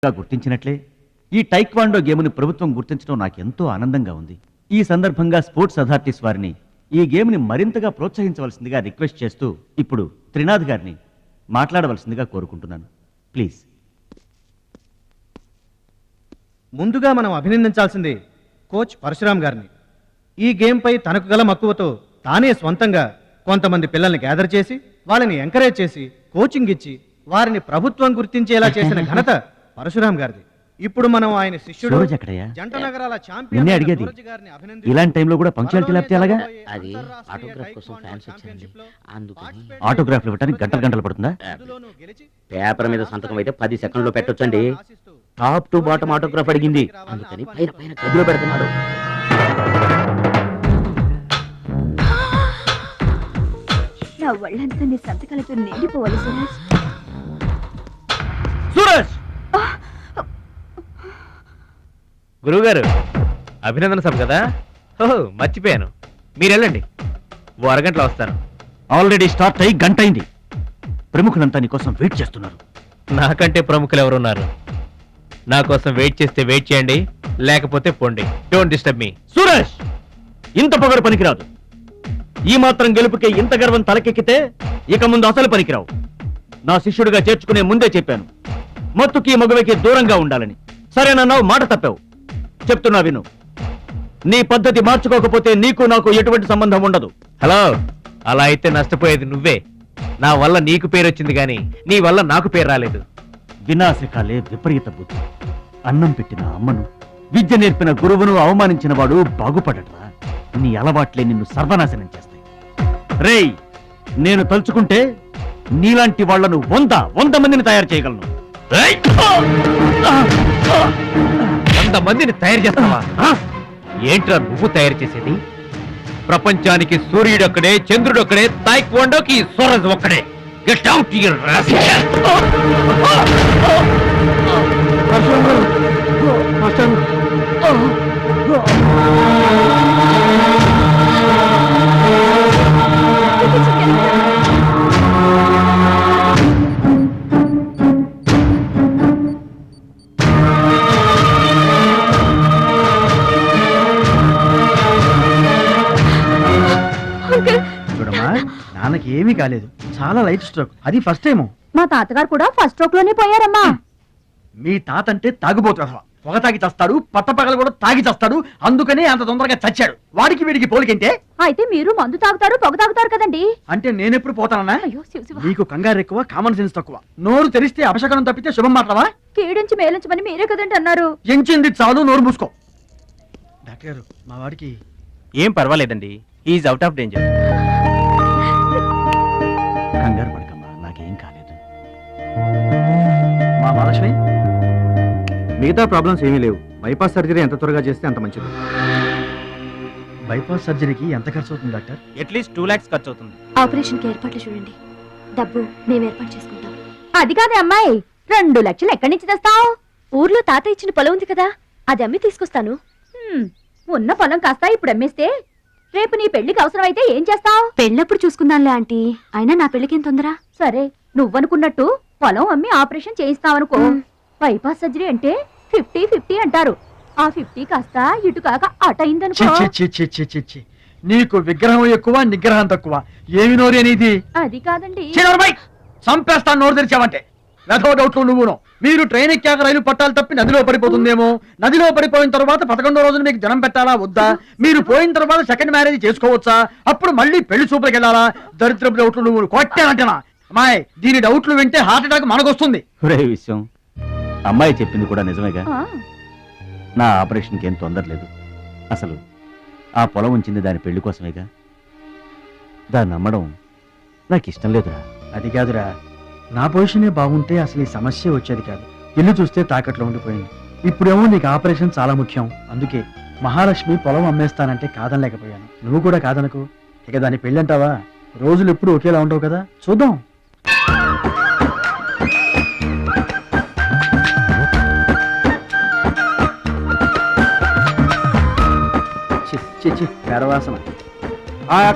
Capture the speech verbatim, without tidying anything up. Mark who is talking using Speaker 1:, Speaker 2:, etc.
Speaker 1: గుర్తించినట్లే ఈ టైక్వాండో గేమ్ని ప్రభుత్వం గుర్తించడం నాకెంతో ఆనందంగా ఉంది. ఈ సందర్భంగా స్పోర్ట్స్ అథారిటీస్ వారిని ఈ గేమ్ని మరింతగా ప్రోత్సహించవలసిందిగా రిక్వెస్ట్ చేస్తూ ఇప్పుడు త్రినాథ్ గారిని మాట్లాడవలసిందిగా కోరుకుంటున్నాను. ప్లీజ్.
Speaker 2: ముందుగా మనం అభినందించాల్సింది కోచ్ పరశురామ్ గారిని. ఈ గేమ్పై తనకు గల మక్కువతో తానే స్వంతంగా కొంతమంది పిల్లల్ని గ్యాదర్ చేసి వాళ్ళని ఎంకరేజ్ చేసి కోచింగ్ ఇచ్చి వారిని ప్రభుత్వం గుర్తించేలా చేసిన ఘనత పరశురామ్ గారిది. ఇప్పుడు మనం ఆయన శిష్యుడు జంట నగరాల ఛాంపియన్
Speaker 1: అడిగేది ఇలాంటి టైంలో కూడా పంక్చువాలిటీ లేకపోతే ఎలాగా?
Speaker 3: అది ఆటోగ్రాఫ్ కోసం ఫ్యాన్స్ వచ్చారండి, అందుకని.
Speaker 1: ఆటోగ్రాఫ్లు ఇవ్వడానికి గంటలు గంటలు పడుతుందా?
Speaker 3: పేపర్ మీద సంతకం అయితే పది సెకండ్లో పెట్టొచ్చండి. టాప్ టు బాటమ్ ఆటోగ్రాఫ్ అడిగింది, అందుకని పైన పైన గదిలో పెడుతున్నాడు.
Speaker 4: నా ఒళ్ళంతా నీ సంతకాలతో నిండిపోవాలి సురేష్.
Speaker 5: సురేష్! గురువుగారు, అభినందన సభ కదా? ఓహో, మర్చిపోయాను. మీరు వెళ్ళండి, ఓ అరగంటలో వస్తాను.
Speaker 1: ఆల్రెడీ స్టార్ట్ అయ్యి గంట అయింది. ప్రముఖులంతా నీ కోసం వెయిట్ చేస్తున్నారు.
Speaker 5: నాకంటే ప్రముఖులు ఎవరున్నారు? నా కోసం వెయిట్ చేస్తే వెయిట్ చేయండి, లేకపోతే పోండి. Don't disturb me.
Speaker 1: సురేష్, ఇంత పొగరు పనికిరాదు. ఈ మాత్రం గెలుపుకే ఇంత గర్వం తలకెక్కితే ఇక ముందు అసలు పనికిరావు. నా శిష్యుడిగా చేర్చుకునే ముందే చెప్పాను, మత్తుకి మగవకి దూరంగా ఉండాలని. సరేనన్నావు, మాట తప్పావు. చెప్తున్నా విను. నీ పద్ధతి మార్చుకోకపోతే నీకు నాకు ఎటువంటి సంబంధం ఉండదు.
Speaker 5: హలో, అలా అయితే నష్టపోయేది నువ్వే. నా వల్ల నీకు పేరు వచ్చింది కానీ నీ వల్ల నాకు పేరు రాలేదు.
Speaker 1: వినాశకాలే విపరీత బుద్ధి. అన్నం పెట్టిన అమ్మను, విద్య నేర్పిన గురువును అవమానించిన వాడు బాగుపడటరా. నీ అలవాట్లే నిన్ను సర్వనాశనం చేస్తాయి. రేయ్, నేను తలుచుకుంటే నీలాంటి వాళ్లను వంద వంద మందిని తయారు చేయగలను.
Speaker 5: వంద మందిని తయారు చేస్తావా? ఏంట్రా నువ్వు తయారు చేసేది? ప్రపంచానికి సూర్యుడొక్కడే, చంద్రుడొక్కడే, తాయిక్వాండోకి సూరజ్ ఒక్కడే. Get out your rascal.
Speaker 2: చూడమ్మా, నాన్నకి ఏమీ కాలేదు, చాలా లైట్ స్ట్రోక్. అది ఫస్ట్ టైము.
Speaker 4: మా తాతగారు కూడా ఫస్ట్ స్ట్రోక్ లోనే పోయారమ్మా.
Speaker 2: మీ తాత అంటే తాగుబోతు, పొగ తాగి చస్తాడు, పట్ట పగలు కూడా తాగి చస్తాడు. అందుకనే అంత తొందరగా చచ్చాడు. వాడికి వీడికి పోలికంటే.
Speaker 4: అయితే మీరు మందు తాగుతారు, పొగ తాగుతారు కదండి.
Speaker 2: అంటే నేనెప్పుడు పోతానన్నా?
Speaker 4: అయ్యో శివ శివ.
Speaker 2: నీకు కంగారు ఎక్కువ, కామన్ సెన్స్ తక్కువ. నోరు తెరిస్తే అపశకనం తప్పితే శుభం మాట్లావా?
Speaker 4: కీడించి మేలించమని మీరే కదండి అన్నారు.
Speaker 2: ఎంచింది చాలు, నోరు మూసుకో. డాక్టర్ గారు, మా వాడికి
Speaker 5: ఏం పర్వాలేదండి, ఈజ్ అవుట్ ఆఫ్ డేంజర్.
Speaker 1: కంగారు పడకమ్మా, నాకేం కాలేదు.
Speaker 2: మా మహాలక్ష్మి, మిగతా ప్రాబ్లమ్స్ ఏమీ లేవు. బైపాస్ సర్జరీ ఎంత త్వరగా చేస్తే అంత మంచిది. బైపాస్ సర్జరీకి ఎంత ఖర్చు అవుతుంది డాక్టర్?
Speaker 5: అట్లీస్ట్ టూ లాక్స్ ఖర్చు అవుతుంది.
Speaker 4: ఆపరేషన్ కి ఏర్పాట్లు చూడండి, డబ్బు మేము ఏర్పాటు చేసుకుంటాం. అది కాదే అమ్మాయి, రెండు లక్షలు ఎక్కడి నుంచి తెస్తావు? ఊర్లో తాత ఇచ్చిన పొలం ఉంది కదా, అది అమ్మి తీసుకొస్తాను. హ్మ్, ఉన్న పొలం కాస్త ఇప్పుడు అమ్మేస్తే రేపు నీ పెళ్లికి అవసరం అయితే ఏం చేస్తావు? పెళ్ళప్పుడు చూసుకుందాంలే ఆంటీ, అయినా నా పెళ్లికేం తొందర. సరే, నువ్వనుకున్నట్టు పొలం అమ్మి ఆపరేషన్ చేయిస్తావనుకో. బైపాస్ సర్జరీ అంటే ఫిఫ్టీ ఫిఫ్టీ అంటారు. ఆ ఫిఫ్టీ కాస్త ఇటు కాక అటు అయిందనుకో.
Speaker 2: చి, చి, చి, చి, చి, చి. నీకు విగ్రహం ఎక్కువ, నిగ్రహం తక్కువ. ఏమి నోరు అనేది?
Speaker 4: అది కాదండి.
Speaker 2: చంపేస్తాను నోరు తెరిచావంటే. వెధో డౌట్లు నువ్వును. మీరు ట్రైన్ ఎక్కాక రైలు పట్టాలు తప్పి నదిలో పడిపోతుందేమో. నదిలో పడిపోయిన తర్వాత పదకొండో రోజున మీకు జనం పెట్టాలా వద్దా? మీరు పోయిన తర్వాత సెకండ్ మ్యారేజ్ చేసుకోవచ్చా? అప్పుడు మళ్ళీ పెళ్లి చూపులకు వెళ్ళాలా? దరిద్రపు డౌట్లు నువ్వు కొట్టానంటేనా? అమ్మాయి, దీని డౌట్లు వింటే హార్ట్ అటాక్ మనకొస్తుంది.
Speaker 1: ఒరే విషయం, అమ్మాయి చెప్పింది కూడా నిజమేగా.
Speaker 4: ఆ,
Speaker 1: నా ఆపరేషన్కి ఏం తొందర లేదు. అసలు ఆ పొలం ఉంచింది దాని పెళ్లి కోసమేగా. దాన్ని నమ్మడం నాకు ఇష్టం లేదురా.
Speaker 2: అది కాదురా, నా పొజిషనే బాగుంటే అసలు ఈ సమస్య వచ్చేది కాదు. ఇల్లు చూస్తే తాకట్లో ఉండిపోయింది. ఇప్పుడేమో నీకు ఆపరేషన్ చాలా ముఖ్యం. అందుకే మహాలక్ష్మి పొలం అమ్మేస్తానంటే కాదనలేకపోయాను. నువ్వు కూడా కాదనకు. ఇక దాని పెళ్ళంటావా? రోజులు ఎప్పుడు ఒకేలా ఉండవు కదా, చూద్దాం. చి చి చి, పెరవాసన.